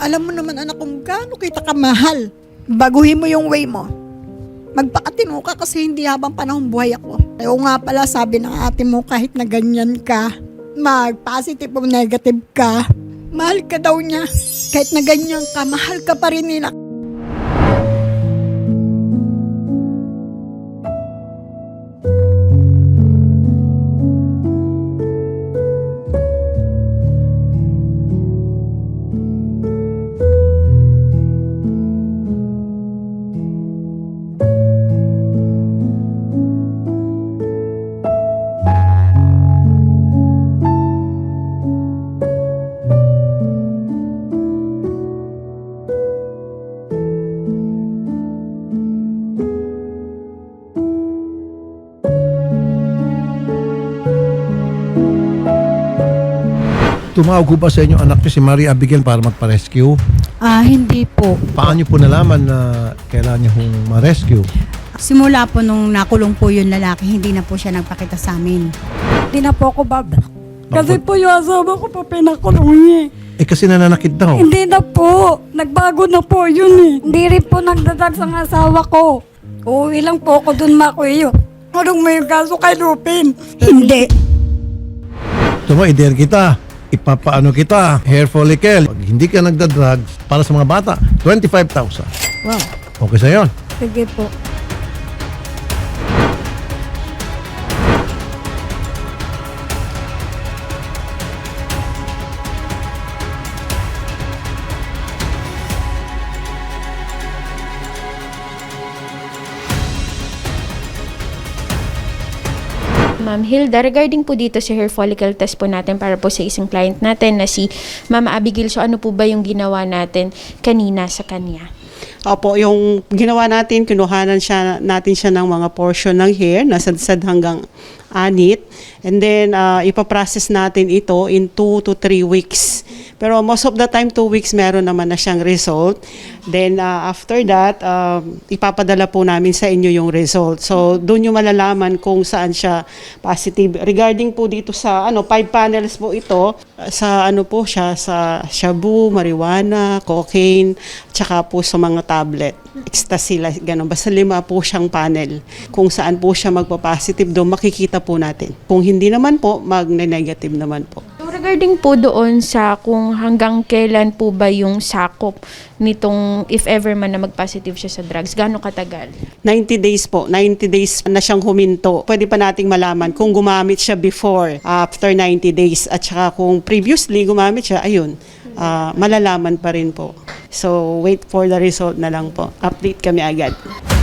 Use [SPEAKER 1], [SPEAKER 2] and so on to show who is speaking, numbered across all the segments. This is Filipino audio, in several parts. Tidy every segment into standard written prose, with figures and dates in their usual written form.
[SPEAKER 1] Alam mo naman anak kung gaano kita kamahal. Baguhin mo yung way mo. Magpakatino ka kasi hindi habang panahon buhay ako. O nga pala sabi ng ate mo kahit na ganyan ka, mag-positive o negative ka, mahal ka daw niya. Kahit na ganyan ka, mahal ka pa rin nila.
[SPEAKER 2] Tumawag ko ba sa inyo anak niyo si Maria Abigail para magpa-rescue?
[SPEAKER 3] Hindi po.
[SPEAKER 2] Paano niyo po nalaman na kailangan niyo hong ma-rescue?
[SPEAKER 3] Simula po nung nakulong po yung lalaki, hindi na po siya nagpakita sa amin.
[SPEAKER 4] Hindi na po ako babalik. Kasi po yung asawa ko pa pinakulong niya.
[SPEAKER 2] Eh kasi nananakit daw.
[SPEAKER 4] Hindi na po. Nagbago na po yun eh. Hindi rin po nagdadag sa asawa ko. Uuwi lang po ako dun makuyo. Anong may kaso kay Lupin? Hindi.
[SPEAKER 2] Tuma, i-dare kita. Ipapaano kita, hair follicle. Pag hindi ka nagda-drugs, para sa mga bata, 25,000.
[SPEAKER 3] Wow.
[SPEAKER 2] Okay sa yon.
[SPEAKER 4] Sige po.
[SPEAKER 5] Ma'am Hilda, regarding po dito sa hair follicle test po natin para po sa isang client natin na si Ma'am Abigail, so ano po ba yung ginawa natin kanina sa kanya?
[SPEAKER 6] Opo, yung ginawa natin, kinuhanan natin siya ng mga portion ng hair, nasadsad hanggang anit. And then, ipaprocess natin ito in 2 to 3 weeks. Pero most of the time, 2 weeks, meron naman na siyang result. Then, after that, ipapadala po namin sa inyo yung result. So, doon yung malalaman kung saan siya positive. Regarding po dito sa, 5 panels po ito, sa po siya, sa shabu, marijuana, cocaine, tsaka po sa mga tablet, ecstasy, gano'n. Basta 5 po siyang panel. Kung saan po siya magpa-positive, doon makikita po natin. Kung hindi naman po, magne-negative naman po.
[SPEAKER 5] So, regarding po doon sa kung hanggang kailan po ba yung sakop nitong if ever man na mag-positive siya sa drugs, gaano katagal?
[SPEAKER 6] 90 days po. 90 days na siyang huminto. Pwede pa nating malaman kung gumamit siya before, after 90 days. At saka kung previously gumamit siya, ayun, malalaman pa rin po. So, wait for the result na lang po. Update kami agad.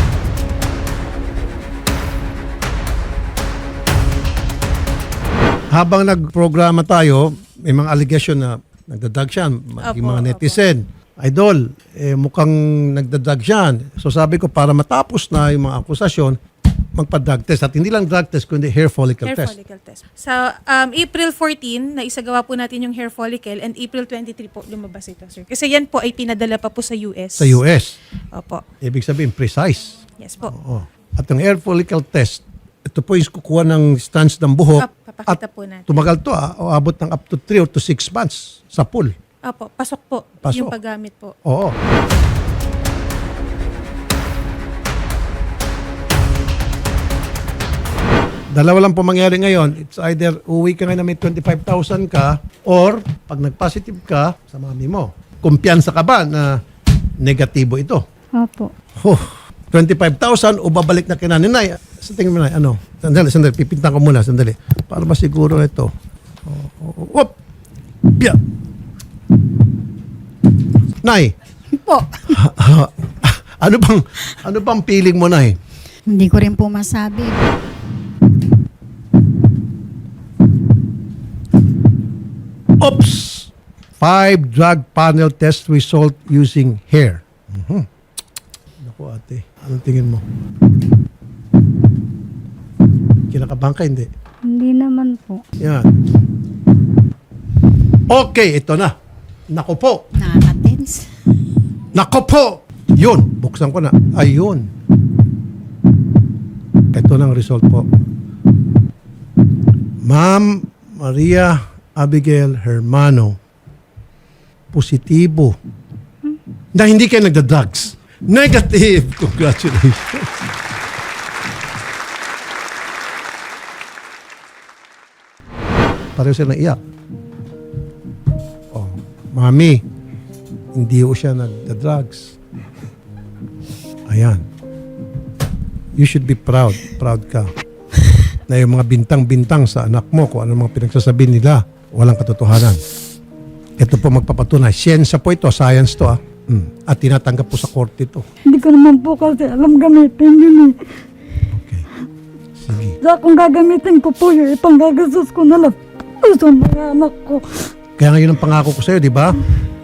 [SPEAKER 2] Habang nagprograma tayo, may mga allegation na nagdadag siya, yung mga netizen. Idol, mukhang nagdadag siya. So sabi ko, para matapos na yung mga akusasyon, magpa-drug test. At hindi lang drug test, kundi hair follicle test.
[SPEAKER 7] Follicle test. Sa April 14, na isagawa po natin yung hair follicle and April 23 po lumabas ito, sir. Kasi yan po ay pinadala pa po sa US.
[SPEAKER 2] Sa US.
[SPEAKER 7] Opo.
[SPEAKER 2] Ibig sabihin, precise.
[SPEAKER 7] Yes po.
[SPEAKER 2] Oo. At ang hair follicle test, ito po yung kukuha ng stance ng buhok.
[SPEAKER 7] Papakita po natin.
[SPEAKER 2] Tumagal to, abot ng up to 3 or to 6 months sa pool.
[SPEAKER 7] Opo, pasok po.
[SPEAKER 2] Pasok.
[SPEAKER 7] Yung paggamit po.
[SPEAKER 2] Oo. Dalawa lang po mangyari ngayon. It's either uwi ka ngayon na may 25,000 ka or pag nag-positive ka sa mami mo. Kumpiyansa ka ba na negatibo ito?
[SPEAKER 4] Opo.
[SPEAKER 2] 25,000 o babalik na kina Nay? Sa tingin mo, Nay, ano? Sandali, pipintan ko muna, sandali. Para masiguro ito. Whoop! Yeah. Nay,
[SPEAKER 3] Po.
[SPEAKER 2] ano bang feeling mo, Nay?
[SPEAKER 3] Hindi ko rin po masabi.
[SPEAKER 2] Oops! 5 drug panel test result using hair. Naku ate, anong tingin mo? Kinakabahan ka, hindi?
[SPEAKER 4] Hindi naman po.
[SPEAKER 2] Yan. Okay, ito na. Naku po.
[SPEAKER 3] Nakaka-tense.
[SPEAKER 2] Naku po! Yun, buksan ko na. Ayun. Ito na ang result po. Ma'am Maria Abigail Hermano, positibo na hindi kayo nagda-drugs. Negative. Congratulations. Pareho sila naiyak. Oh, mami, hindi ko siya nagda-drugs. Ayan. You should be proud. Proud ka. Na yung mga bintang-bintang sa anak mo, kung ano mga pinagsasabi nila, walang katotohanan. Ito po magpapatunay. Siyensya po ito, science to. At tinatanggap po sa korte ito.
[SPEAKER 4] Hindi ko naman po kasi alam gamitin yun eh.
[SPEAKER 2] Okay. Sige.
[SPEAKER 4] Sa kung gagamitin ko po yun, ipanggagastos ko na lang sa mga anak ko.
[SPEAKER 2] Kaya ngayon ang pangako ko sa iyo, di ba?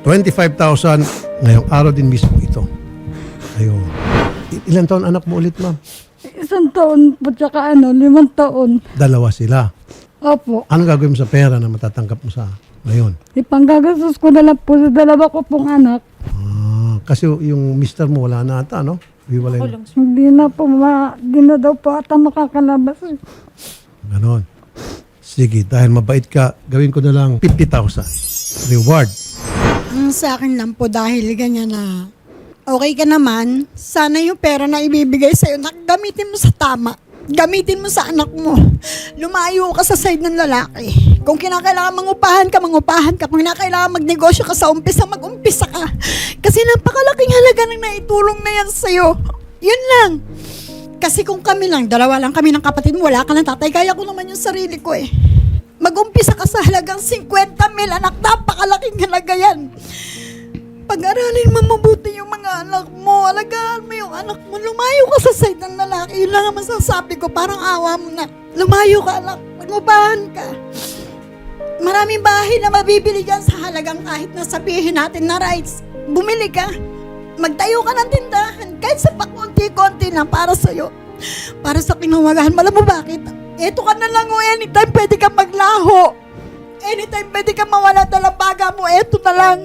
[SPEAKER 2] 25,000 ngayong araw din mismo ito. Ayun. Ilan taon anak mo ulit, ma'am?
[SPEAKER 4] 1 taon po tsaka 5 taon.
[SPEAKER 2] Dalawa sila.
[SPEAKER 4] Opo.
[SPEAKER 2] Ano gagawin mo sa pera na matatanggap mo sa ngayon?
[SPEAKER 4] Ipanggagastos ko na lang po sa 2 ko pong anak.
[SPEAKER 2] Kasi yung mister mo wala na ata, no? Hiwalay na.
[SPEAKER 4] Hindi na po, hindi na daw po ata makakalabas.
[SPEAKER 2] Ganon. Sige, dahil mabait ka, gawin ko na lang 50,000 reward.
[SPEAKER 1] Ang sa akin lang po dahil ganyan na okay ka naman, sana yung pera na ibibigay sa'yo, gamitin mo sa tama. Gamitin mo sa anak mo. Lumayo ka sa side ng lalaki. Kung kinakailangan mangupahan ka. Kung kinakailangan magnegosyo ka sa umpisa, mag-umpisa ka. Kasi napakalaking halaga ng naitulong na yan sa'yo. Yun lang. Kasi kung kami lang, 2 lang kami ng kapatid mo, wala ka ng tatay, kaya ko naman yung sarili ko eh. Mag-umpisa ka sa halagang 50,000, anak, napakalaking halaga yan. Pag-aralin mo mabuti yung mga anak mo, alagaan mo yung anak mo, lumayo ka sa side ng lalaki, yun lang ang masasabi ko, parang awa mo na. Lumayo ka, anak, mag-upahan ka. Maraming bahay na mabibili dyan sa halagang kahit na sabihin natin na rights. Bumili ka. Magtayo ka ng tindahan, kahit sa pakunti-konti lang para sa'yo. Para sa kinawagahan. Alam mo bakit? Eto ka na lang o anytime pwede ka maglaho. Anytime pwede ka mawala dalabaga mo, eto na lang.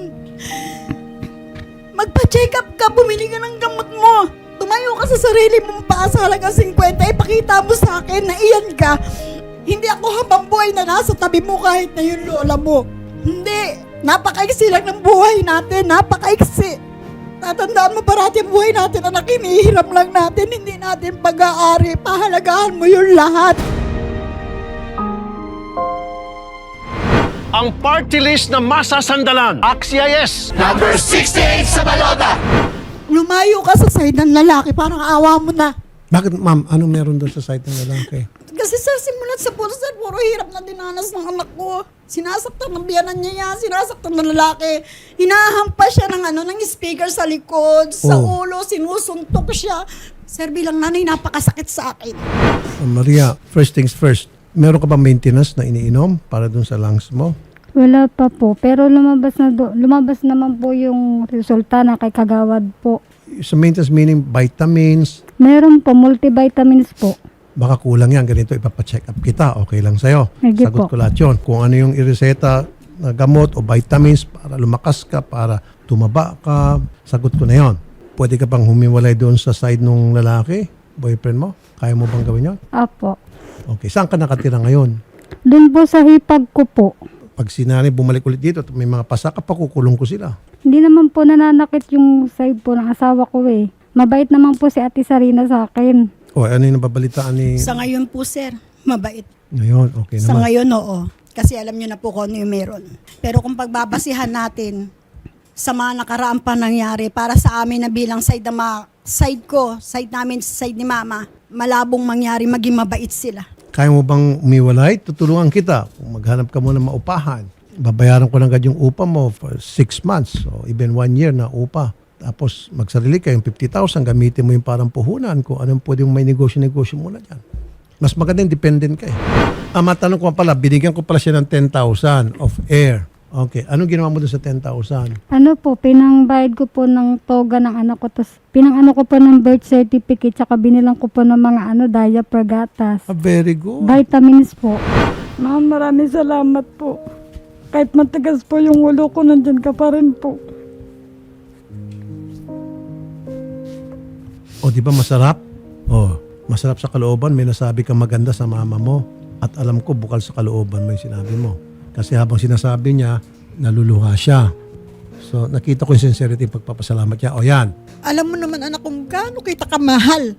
[SPEAKER 1] Magpa-check up ka, bumili ka ng gamot mo. Tumayo ka sa sarili mong paa sa halagang 50, ipakita mo sa akin na iyan ka. Hindi ako habang buhay na nasa tabi mo kahit na yung lola mo. Hindi. Napakaiksi lang ng buhay natin. Napakaiksi. Tatandaan mo parati ang buhay natin, anak, hinihiram lang natin, hindi natin pag-aari. Pahalagahan mo yung lahat.
[SPEAKER 8] Ang party list na masasandalan. AXIS!
[SPEAKER 1] Lumayo ka sa side ng lalaki, parang awa mo na.
[SPEAKER 2] Bakit, ma'am? Anong meron doon sa site ng lalaki?
[SPEAKER 1] Kasi sir, simulat sa puso, sir, puro hirap na dinanas ng anak ko. Sinasaktan ng biyanan niya yan, sinasaktan ng lalaki. Hinahampas siya ng speaker sa likod, sa ulo, sinusuntok siya. Sir, bilang nanay, napakasakit sa akin.
[SPEAKER 2] Maria, first things first. Meron ka ba maintenance na iniinom para doon sa lungs mo?
[SPEAKER 4] Wala pa po, pero lumabas naman po yung resulta na kay Kagawad po.
[SPEAKER 2] Sa maintenance meaning vitamins,
[SPEAKER 4] Meron po, multivitamins po.
[SPEAKER 2] baka kulang yan, ganito ipapacheck up kita, okay lang sa'yo.
[SPEAKER 4] Sige
[SPEAKER 2] Sagot
[SPEAKER 4] po.
[SPEAKER 2] ko lahat yun. Kung ano yung ireseta na gamot o vitamins para lumakas ka, para tumaba ka, sagot ko na yon. Pwede ka bang humiwalay doon sa side ng lalaki, boyfriend mo? Kaya mo bang gawin yun?
[SPEAKER 4] Apo.
[SPEAKER 2] Okay, saan ka nakatira ngayon?
[SPEAKER 4] Doon po sa hipag ko po.
[SPEAKER 2] Pag sinanay bumalik ulit dito at may mga pasaka, pakukulong ko sila.
[SPEAKER 4] Hindi naman po nananakit yung side po ng asawa ko eh. Mabait naman po si Ate Sarina sa akin.
[SPEAKER 2] O, ano yung nababalitaan ni...
[SPEAKER 1] Sa ngayon po, sir, mabait.
[SPEAKER 2] Ngayon, okay
[SPEAKER 1] Sa
[SPEAKER 2] naman.
[SPEAKER 1] ngayon, oo. Kasi alam nyo na po kung ano yung meron. Pero kung pagbabasihan natin sa mga nakaraan pa nangyari, para sa amin na bilang side ko, side namin, side ni mama, malabong mangyari, maging mabait sila.
[SPEAKER 2] Kaya mo bang umiwalay? Tutulungan kita. Kung maghanap ka muna maupahan, babayaran ko lang agad yung upa mo for 6 months o even 1 year na upa. Tapos magsarili ka yung 50,000, gamitin mo yung parang puhunan kung anong pwedeng may negosyo muna dyan. Mas maganda yung dependent ka eh. Matanong ko pala, binigyan ko pala siya ng 10,000 of air. Okay, anong ginawa mo doon sa 10,000?
[SPEAKER 4] Ano po, pinangbayad ko po ng toga ng anak ko. Tapos pinangano ko po ng birth certificate. Tsaka binilang ko po ng mga diaper, gatas.
[SPEAKER 2] Very good.
[SPEAKER 4] Vitamins po. Ma'am, maraming salamat po. Kahit matigas po yung ulo ko, nandyan ka pa rin po.
[SPEAKER 2] O, di ba masarap? O, masarap sa kalooban. May nasabi kang maganda sa mama mo. At alam ko, bukal sa kalooban mo yung sinabi mo. Kasi habang sinasabi niya, naluluha siya. So nakita ko yung sincerity ng pagpapasalamat niya. O yan.
[SPEAKER 1] Alam mo naman anak kung gaano kita kamahal.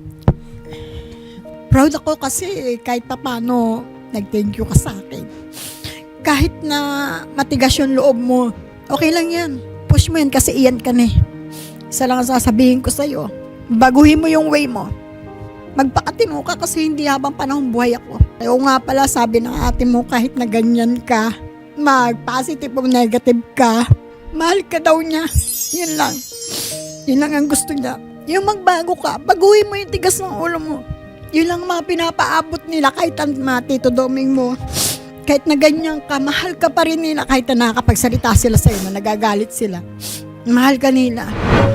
[SPEAKER 1] Proud ako kasi kahit papano nag-thank you ka sa akin. Kahit na matigas yung loob mo, okay lang yan. Push mo yan kasi iyan ka na eh. Isa lang ang sasabihin ko sa'yo. Baguhin mo yung way mo. Magpakatino ka kasi hindi habang panahon buhay ako. Kaya nga pala sabi ng ate mo kahit na ganyan ka, mag-positive o negative ka, mahal ka daw niya. Yun lang. Yun lang ang gusto niya. Yung magbago ka, baguhin mo yung tigas ng ulo mo. Yun lang mga pinapaabot nila kahit ang mga Tito Doming mo. Kahit na ganyan ka, mahal ka pa rin nila kahit na nakakapagsalita sila sa'yo na nagagalit sila. Mahal ka nila.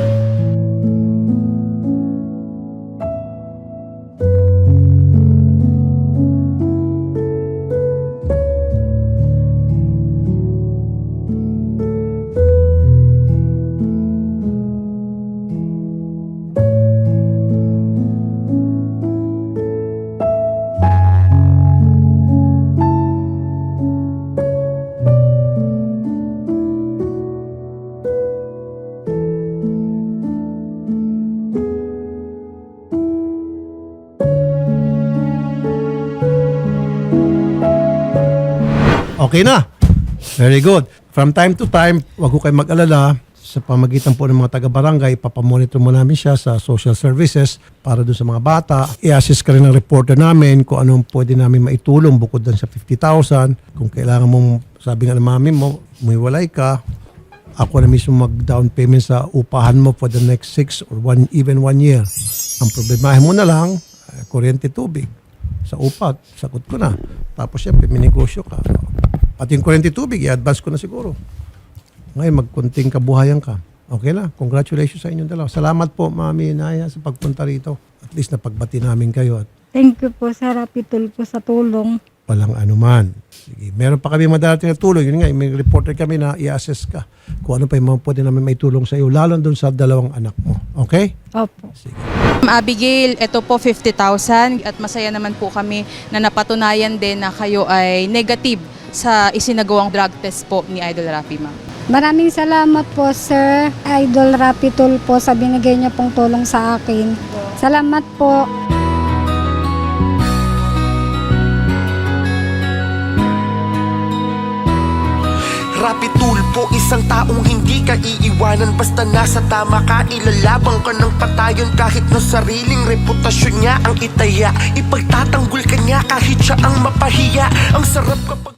[SPEAKER 2] Okay na. Very good. From time to time, wag ko kayo mag-alala. Sa pamagitan po ng mga taga-barangay, papamonitor mo namin siya sa social services para doon sa mga bata. I-assist ka rin ng reporter namin kung anong pwede namin maitulong bukod doon sa 50,000. Kung kailangan mong, sabi nga ng mami mo, umiwalay ka, ako na mismo mag-down payment sa upahan mo for the next 6 or even 1 year. Ang problemahin mo na lang, kuryente, tubig. Sa upat, sagot ko na. Tapos siyempre, may negosyo ka. Pati yung kuryente tubig, i-advance ko na siguro. Ngayon, magkunting kabuhayan ka. Okay na. Congratulations sa inyong dalawa. Salamat po, Mami Naya, sa pagpunta rito. At least napagbati namin kayo at
[SPEAKER 4] Thank you po, Sir Rapitol, po sa tulong.
[SPEAKER 2] walang anuman. Sige. Meron pa kami madarating na tulong. Yun nga, may reporter kami na i-assess ka kung ano pa yung mga pwede namin may tulong sa iyo, lalo doon sa 2 anak mo. Okay?
[SPEAKER 4] Opo.
[SPEAKER 2] Sige.
[SPEAKER 9] Abigail, ito po 50,000 at masaya naman po kami na napatunayan din na kayo ay negative sa isinagawang drug test po ni Idol Rafi, ma'am.
[SPEAKER 4] Maraming salamat po, Sir Idol Rapitol, po sa binigay niyo pong tulong sa akin. Salamat po.
[SPEAKER 10] Rapi Tulpo, isang taong hindi ka iiwanan. Basta nasa tama ka, ilalabang ka ng patayon. Kahit na sariling reputasyon niya ang itaya, ipagtatanggol ka niya kahit siya ang mapahiya. Ang sarap kapag